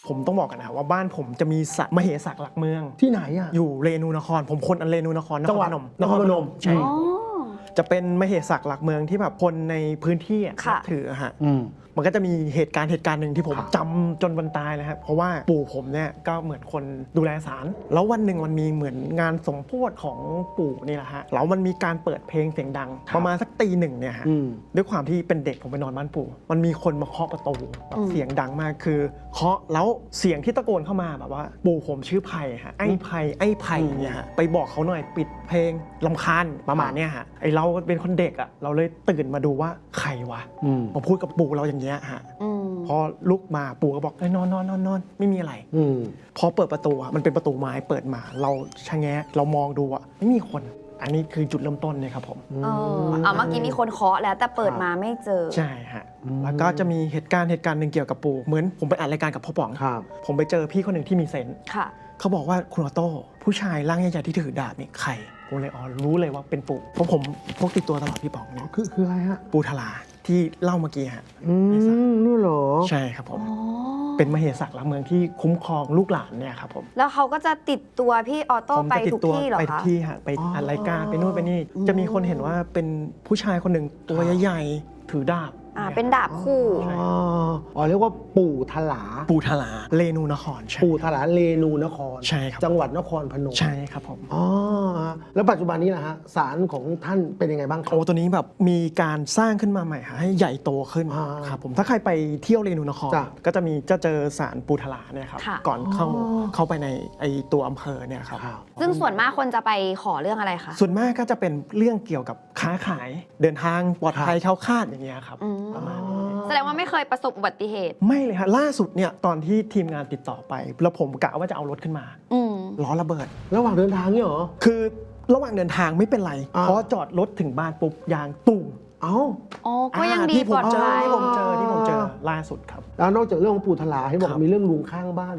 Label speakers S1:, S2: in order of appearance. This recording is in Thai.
S1: ผมต้องบอกกันนะว่าบ้านผมจะมีสระมเหสักหลักเมือง
S2: ที่ไหนอ่ะ
S1: อยู่เรนูนครผมคนเรนูนคร
S2: จังหวัด
S1: นครพนมใช่
S3: อ๋อ
S1: จะเป็นมเหสักหลักเมืองที่แบบคนในพื้นที่นั
S3: ค่ะ
S1: บถือฮะ
S2: อืม
S1: มันก็จะมีเหตุการณ์หนึ่งที่ผม
S2: ครับ
S1: จำจนวันตายเลยครับเพราะว่าปู่ผมเนี่ยก็เหมือนคนดูแลศาลแล้ววันหนึ่งมันมีเหมือนงานสมโภชของปู่นี่แหละฮะแล้วมันมีการเปิดเพลงเสียงดัง ประมาณสักตีหนึ่งเนี่ยฮะ
S2: อืม
S1: ด้วยความที่เป็นเด็กผมไปนอนบ้านปู่มันมีคนมาเคาะประตูแบบเสียงดังมากคือเคาะแล้วเสียงที่ตะโกนเข้ามาแบบว่าปู่ผมชื่อไผ่ฮะไอ้ไผ่เนี่ยฮะไปบอกเขาหน่อยปิดเพลงรำคาญประมาณเนี้ยฮะไอเราเป็นคนเด็กอ่ะเราเลยตื่นมาดูว่าใครวะ
S2: อืม
S1: มาพูดกับปู่เราอย่างเงี้ยฮะ
S3: อืม
S1: พอลุกมาปู่ก็บอกนอนไม่มีอะไร
S2: อืม
S1: พอเปิดประตูอะมันเป็นประตูไม้เปิดมาเราชะแงะเรามองดูอะไม่มีคน อันนี้คือจุดเริ่มต้นเลยครับผม
S3: เมื่อกี้มีคนเคาะแล้วแต่เปิดมาไม่เจอ
S1: ใช่ฮะแล้วก็จะมีเหตุการณ์หนึ่งเกี่ยวกับปู่เหมือนผมไปอัดรายการกับพ่อป๋อง
S2: ครับ
S1: ผมไปเจอพี่คนหนึ่งที่มีเซนส์
S3: ค่ะ
S1: เขาบอกว่าคุณออโต้ผู้ชายร่างใหญ่ๆที่ถือดาบนี่ใครผมเลยรู้เลยว่าเป็นปู่เพราะผมพกติดตัวตลอดพี่ป๋องเนี่ย
S2: คืออะไรฮะ
S1: ปู่ทลาที่เล่าเมื่อกี้ฮะ
S2: นี่เหรอ
S1: ใช่ครับผม
S3: อ๋อ
S1: เป็นมเหสักหลักเมืองที่คุ้มครองลูกหลานเนี่ยครับผม
S3: แล้วเขาก็จะติดตัวพี่ออโต้
S1: ผม
S3: ไป
S1: จะติด
S3: ทุก
S1: ตัว
S3: ที่เหรอ
S1: ไปทุก
S3: คะ
S1: ที่ฮะไปอัดรายการไปนู่นไปนี่จะมีคนเห็นว่าเป็นผู้ชายคนหนึ่งตัวใหญ่ๆถือดาบ
S3: เป็นดาบคู่
S2: อ๋อเรียกว่าปู่ทลา
S1: ปู่ทลาเรนูนครใช่
S2: ปู่ทลาเรนูนคร
S1: ใช่ครับ
S2: จังหวัดนครพนม
S1: ใช่ครับผม
S2: อ๋อแล้วปัจจุบันนี้นะฮะศาลของท่านเป็นยังไงบ้างครับ
S1: โอ้ตัวนี้แบบมีการสร้างขึ้นมาใหม่ฮะให้ใหญ่โตขึ้น
S2: อ่า
S1: ครับผมถ้าใครไปเที่ยวเรนูนคร
S2: จ้ะ
S1: ก็จะเจอศาลปู่ทลาเนี่ยครับ
S3: ค่ะ
S1: ก่อนเข้าไปในไอตัวอำเภอเนี่ยครับ
S2: ครับ
S3: ซึ่งส่วนมากคนจะไปขอเรื่องอะไรคะ
S1: ส่วนมากก็จะเป็นเรื่องเกี่ยวกับค้าขายเดินทางปลอดภัยแคล้วคลาดอย่างเงี้ยครับ
S3: อืม
S1: ประมาณนี้
S3: แสดงว่าไม่เคยประสบอุบัติเหตุ
S1: ไม่เลยฮะล่าสุดเนี่ยตอนที่ทีมงานติดต่อไปแล้วผมกะว่าจะเอารถขึ้นมา
S3: อืม
S1: ล้อระเบิด
S2: ระหว่างเดินทางเนี่ยเหรอ
S1: คือระหว่างเดินทางไม่เป็นไร
S2: อ่า
S1: เพราะจอดรถถึงบ้านปุ๊บยางตุ่ม
S2: เอ้า
S3: อ๋อ ก็ยังดี
S1: ที่ผ
S3: ปล
S1: ม
S3: อด
S1: เจอ
S3: ภัย
S1: ที่ผมเจอล่าสุดครับ
S2: แล้วนอกจากเรื่องของปู่ทลาให้บอก
S1: ครับ
S2: มีเรื่องลุงข้างบ้าน